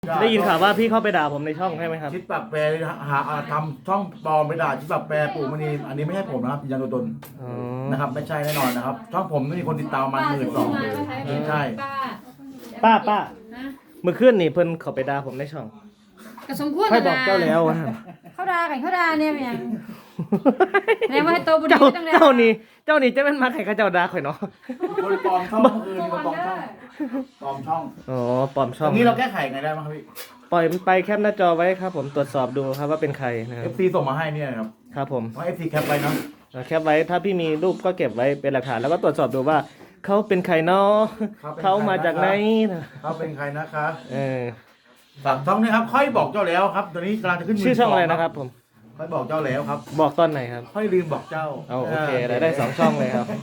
ได้ยินข่าวว่าพี่เข้าไปด่าผมในช่องใช่ไหมครับชิดปากแปรหาทำช่องปลอมไปด่าชิดปากแปรปู่มณีอันนี้ไม่ใช่ผมนะครับยืนยันตัวตนอ๋อนะครับไม่ใช่แน่นอนนะครับช่องผมมีคนติดตามมัน12,000ไม่ใช่ป้าเมื่อคืนนี่เพิ่นเข้าไปด่าผมในช่องก็สมควรค่อยบอกเจ้าแล้วว่าเขาด่ากันเขาด่าเนี่ยเป็นหยังแล้ว่าให้โตบุญเจ้าตั้งแต่เจ้านี่จะเป็นมาใครเขาเจ้าด่าข่อยเนาะคนปลอมช่องคือมีคนปลอมช่องปลอมช่องอ๋อปลอมช่ตอรง งนี้เราแก้ไขไงได้บ้างครับพี่ปล่อยมันไปแคปหน้าจอไว้ครับ ผมตรวจสอบดูครับว่าเป็นใครนะครับ FC ส่งมาให้เนี่ยนะครับครับผมเพราะ FC แคปไว้เนาะแคปไว้ถ้าพี่มีรูปก็เก็บไว้เป็นหลักฐานแล้วก็ตรวจสอบดูว่าเขาเป็นใครเนาะเขามาจากไหนนะเขาเป็นใครนะคะเออฝากช่องนี้ครับค่อยบอกเจ้าแล้วครับตอนนี้กำลังจะขึ้นชื่อช่องอะไรนะครับผมค่อยบอกเจ้าแล้วครับบอกตอนไหนครับค่อยลืมบอกเจ้าเอาโอเคได้2ช่องเลยครับ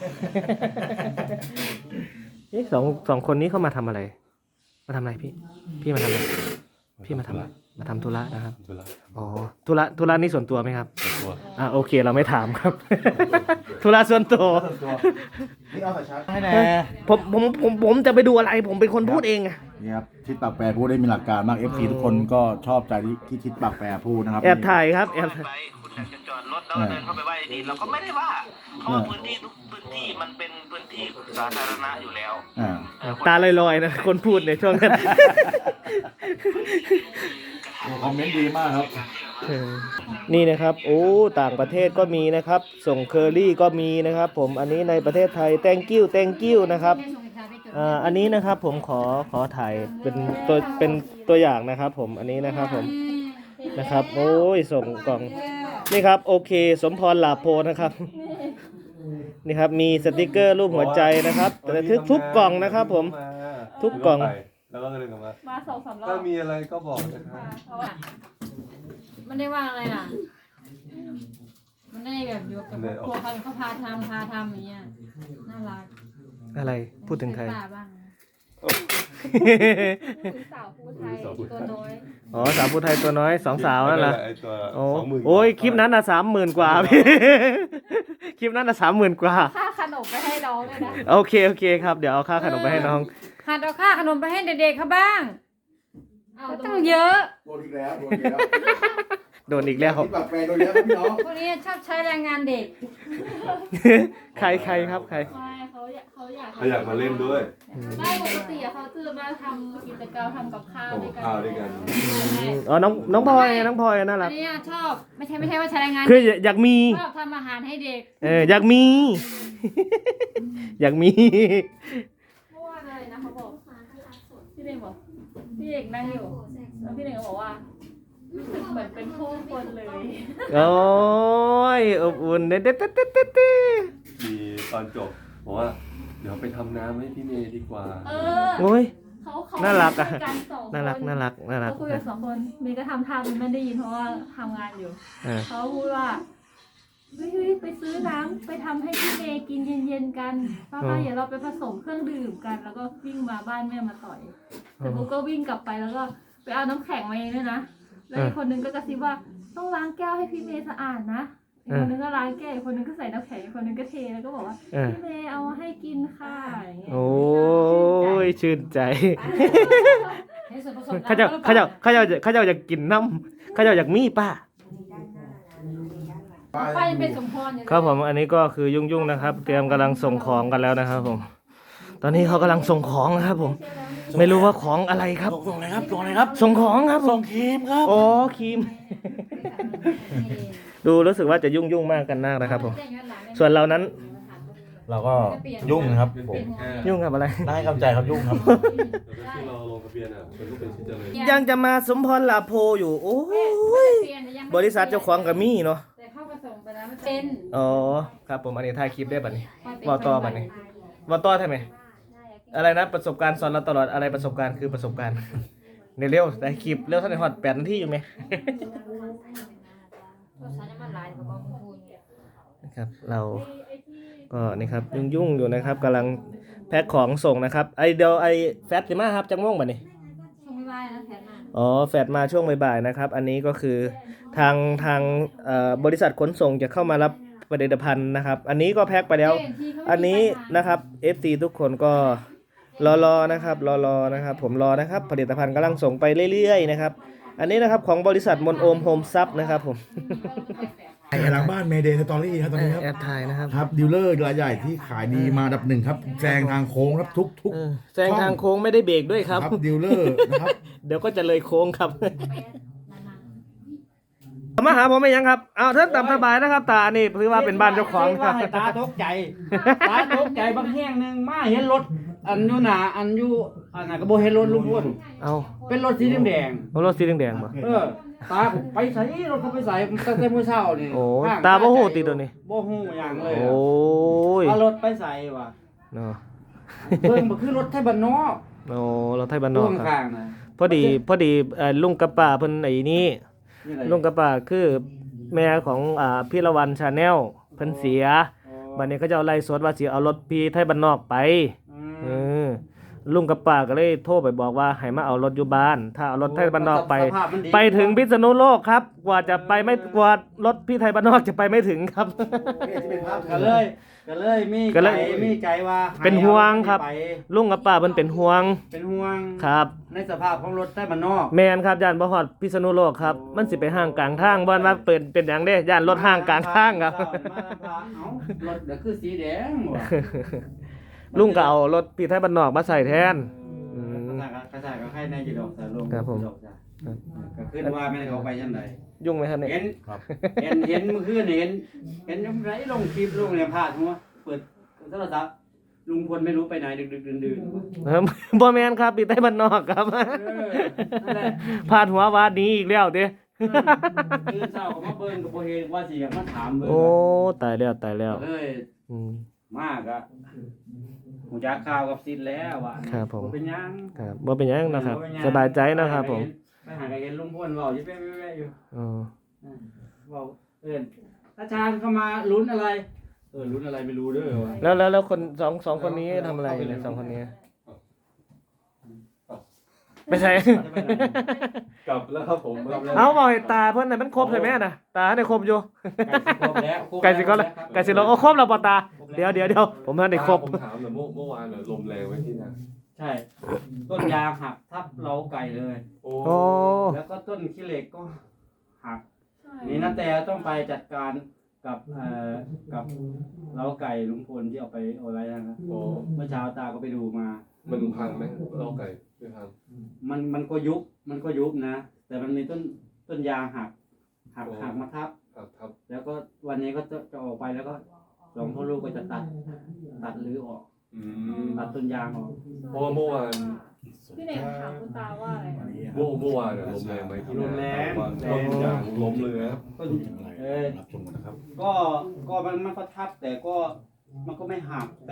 นี่สองคนนี้เข้ามาทำอะไร มาทำอะไรพี่มาทำอะไรพี่มาทำอะไรมาทำธุระนะครับธุระอ๋อธุระนี่ส่วนตัวไหมครับตัวโอเคเราไม่ถามครับ ธุระส่วนตัวส่วนตัวนี่เอาสายชาร์จให้แน่ผมจะไปดูอะไรผมเป็นคนพูดเองอะนี่ครับทิศปากแปรพูดได้มีหลักการมาก FC ทุกคนก็ชอบใจที่ทิศปากแปรพูดนะครับแอบถ่ายครับแอบไปคุณอยากจะจอดรถแล้วเดินเข้าไปไหว้ดีเราก็ไม่ได้ว่าเพราะว่าพื้นที่ทุกพื้นที่มันเป็นพื้นที่สาธารณะอยู่แล้วตาลอยๆนะคนพูดในช่วงนั้นคอมเมนต์ดีมากครับนี่นะครับโอ้ต่างประเทศก็มีนะครับส่งเคอรี่ก็มีนะครับผมอันนี้ในประเทศไทย thank you นะครับอันนี้นะครับผมขอถ่ายเป็นตัวอย่างนะครับผมอันนี้นะครับผมนะครับโอ้ยส่งกล่องนี่ครับโอเคสมพรหลาโพนะครับนี่ครับมีสติกเกอร์รูปหัวใจนะครับแต่ทุกกล่องนะครับผมทุกกล่องแล้วก็เลยกลับมามา2-3 รอบถ้ามีอะไรก็บอกนะครับเพราะว่ามันได้ว่าอะไรล่ะ มันได้แบบอยู่กับครัวเขาพาทำอย่างเงี้ยน่ารักอะไรพูดถึงใครป้าบ้างสาวผู้ไทยตัวน้อยอ๋อสาวผู้ไทยตัวน้อย2 สาวนั่นแหละไอ้ตัวโอ้ 20,000 โอ้ยคลิปนั้น30,000 กว่าพี่ คลิปนั้น30,000 กว่าค่าขนมไปให้น้องเลยนะโอเคครับเดี๋ยวเอาค่าขนมไปให้น้องหัดเอาค่าขนมไปให้เด็กๆเขาบ้างก็ต้องเยอะโดนอีกแล้วโดนอีกแล้วทิศปากแปรโดนแล้วครับพี่น้องพวกนี้ชอบใช้แรงงานเด็กใครครับใครไม่เขาอยากเขาอยากมาเล่นด้วยไม่ปกติอะเขาจะมาทำกิจกรรมทำกับข้าวทำด้วยกันข้าวด้วยกันอ๋อน้องพลอยน่ารัอักนนี้ชอบไม่ใช่ว่าใช้แรงงานคืออยากมีชอบทำอาหารให้เด็กอยากมี อยากมีเมื่อวานอะไรนะเขาบอกพี่เด็กบอกพี่เด็กนั่งอยู่แล้วพี่เด็กก็บอกว่ารู้สึกเหมือนเป็นผู้คนเลยโอ้ยอบอุ่นเด็ดมีตอนจบบอกว่าเดี๋ยวไปทำน้ำให้พี่เมย์ดีกว่าเออโอ้ยเขาน่ารักอะคุยกันสองคนน่ารักเขาคุยกัน2 คนมีก็ทำท่าไม่ได้ยินเพราะว่าทำงานอยู่ เขาพูดว่าเฮ้ยไปซื้อน้ำไปทำให้พี่เมย์กินเย็นๆกันป้าเดี๋ยวเราไปผสมเครื่องดื่มกัน แล้วก็วิ่งมาบ้านแม่มาต่อยแต่บุ๊กก็วิ่งกลับไปแล้วก็ไปเอาน้ำแข็งมาเองด้วยนะแล้วอีกคนนึงก็กระซิบว่าต้องล้างแก้วให้พี่เมย์สะอาดนะอีกคนนึงก็ล้างแก้วอีกคนนึงก็ใส่น้ำแข็งอีกคนนึงก็เทแล้วก็บอกว่าพี่เมย์เอามาให้กินค่ะอย่างเงี้ยโอ้ยชื่นใจในส่วนผสมเขาเจ้าอยากกินน้ำเขาเจ้าอยากมีป้าป้ายังเป็นสมพรอยู่เลยครับผมอันนี้ก็คือยุ่งนะครับ เตรียมกำลังส่งของกันแล้วนะครับผม ตอนนี้เขากำลังส่งของนะครับผม ไม่รู้ว่าของอะไรครับส่งอะไรครับส่งอะไรครับส่งของครับส่งครีมครับอ๋อครีม ดูรู้สึกว่าจะยุ่งมากกันมากนะครับผม ส่วนเรานั้นเราก็ยุ่งนะครับผมยุ่งกับอะไรได้คำใจครับยุ่งครับแต่ที่เราลงทะเบียนอ่ะมันก็เป็นชิ้นเจริญยังจะมาสมพรลาโพอยู่ โอ้ยบริษัทเจ้าของกับมี่เนาะแต่เข้าผสมไปแล้วมันเป็นอ๋อครับผมอันนี้ถ่ายคลิปได้บัดนี้วอต่อบัดนี้วอต่อใช่ไหมอะไรนะประสบการณ์สอนเราตลอดอะไรประสบการณ์คือประสบการณ์เร็วๆได้คลิปเร็วเท่าไหร่ฮอด8 นาทีอยู่ไหม นะครับเราก็นี่ครับยุ่งอยู่นะครับกำลังแพ็คของส่งนะครับเดี๋ยวแฟตสิมาครับจังม่วงบัดนี้ช่วงไม่ไหวนะแถมมาอ๋อแฟตมาช่วงบ่ายๆนะครับอันนี้ก็คือทางบริษัทขนส่งจะเข้ามารับผลิตภัณฑ์นะครับอันนี้ก็แพ็คไปแล้วอันนี้นะครับ FC ทุกคนก็รอนะครับรอนะครับผมรอนะครับผลิตภัณฑ์กำลังส่งไปเรื่อยๆนะครับอันนี้นะครับของบริษัทมนโอมโฮมซับนะครับผมไอ้หลังบ้านเมเดย์สตอรี่ครับตอนนี้ครับแอบถ่ายนะครับครับดีลเลอร์รายใหญ่ที่ขายดีมาอันดับหนึ่งครับแซงทางโค้งครับทุกแซงทางโค้งไม่ได้เบรกด้วยครับดีลเลอร์นะครับเดี๋ยวก็จะเลยโค้งครับ มาหาผมไม่ยังครับเอาท่านตามสบายนะครับ ตานี่ถือว่าเป็นบ้านเจ้าของนะครับให้ตาตกใจ ตาตกใจบางแห่งหนึงมาเห็นรถอันอยู่หน้าอันอยู่อันน่ะก็บ่เห็นรถลุงพลเอาเป็นรถสีแดงเอารถสีแดงๆมาๆตาก็ไปใส่รถเขาไปใส่ตั้งแต่มื้อเช้านี่โอ้ข้งตาบ่ฮู้ติตัวนี้บ่ฮู้หยังเลยโอ้ยเอารถไปใส่ว่ะเนาะเบิ่งบ่คือรถไทยบ้านนอกโอ้เราไทยบ้านนอกพ่วงครับข้างน่ะพอดีลุงกับป้าเพิ่นไอ้นี่นี่อะไรลุงกับป้าคือแม่ของพี่ละวันชาแนลเพิ่นเสียบัดนี้เขาจะเอาไล่สดว่าสิเอารถพี่ไทยบ้านนอกไปเออลุงกับป้าก็เลยโทรไปบอกว่าให้มาเอารถอยู่บ้าน ถ้าเอารถไทยบ้านนอกไปสภาพมันดีไปถึงพิษณุโลกครับ กว่าจะไปไม่กว่ารถพี่ไทยบ้านนอกจะไปไม่ถึงครับก็เลยมีก็เลยมีใจว่าให้เป็นห่วงครับเอาไปลุงกับป้าเพิ่นเป็นห่วงเป็นห่วงครับในสภาพของรถไทยบ้านนอกแมนครับย่านบ่ฮอดพิษณุโลกครับ มันสิไปห้างกลางทางบ่ว่าเป็นหยังเด้ย่านรถห้างกลางทางครับเอ้ารถเดี๋ยวคือสีแดงว่ะลุงก็เอารถพี่ไทยบ้านนอกมาใส่แทนอืมกระจายก็ให้ในจีดอกสายลมครับผมจีดอกจ้ะก็ขึ้นว่าไม่ได้เขาไปยังไงยุ่งไหมครับเนี่ยเห็นเห็นเมื่อคืนเห็นยังไงลงคลิปลงเนี่ยพลาดหัวเปิดโทรศัพท์ลุงพลไม่รู้ไปไหนดึกดื่นบ่แม่นครับพี่ไทยบ้านนอกครับนั่นแหละพาดหัวว่าหนี้อีกแล้วเด้ตื่นเช้าก็มาเบิ่งกับโบเฮว่าสิอยากมาถามเบิ่งโอ้ตายแล้วเลยอืมมากอะหูจักข่าวกับซินแล้วว่ะครับผมเป็นหยังครับบ่เป็นหยังนะครับบ่เป็นหยังสบายใจนะครับผมไปหากันเห็นลุงพลเว้าอยู่แป๊ะๆอยู่อ๋อเว้าอาจารย์เข้ามาลุ้นอะไรลุ้นอะไรไม่รู้เด้อว่ะแล้วคนสองคนนี้ทำอะไรเนี่ยสองคนนี้ไม่ใช่กลับแล้วครับผมเอาบอกให้ตาเพิ่นน่ะมันครบใช่ไหมน่ะตาได้ครบอยู่ใกล้สิครบแล้วไก่สิเราโอ้ครบแล้วป่ะตาเดี๋ยวผมทันได้ครบผมถามหน่อยเมื่อวานลมแรงไว้ที่นั่นใช่ ต้นยางหักทับเล้าไก่เลยโอ้โอ้แล้วก็ต้นขี้เหล็กก็หัก นี่นาแต่ต้องไปจัดการกับกับเล้าไก่ลุงพลที่เอาไปเอาอะไรนะครับโอ้เมื่อเช้าตาก็ไปดูมามันพังไหมเล่าไก่ไม่พังมันก็ยุบนะ แต่มันมีต้นยางหักมาทับครับแล้วก็วันนี้ก็จะออกไปแล้วก็สองพ่อลูกก็จะตัดหรือออกอืมตัดต้นยางออกเพราะว่าเมื่อวานพี่เน่งถามคุณตาว่าอะไรนะเมื่อวานลมแรงไหมที่นั่นลมแรงต้นยางล้มเลยนะต้นรับชมกันนะครับก็มันก็ทับแต่ก็มันก็ไม่หัก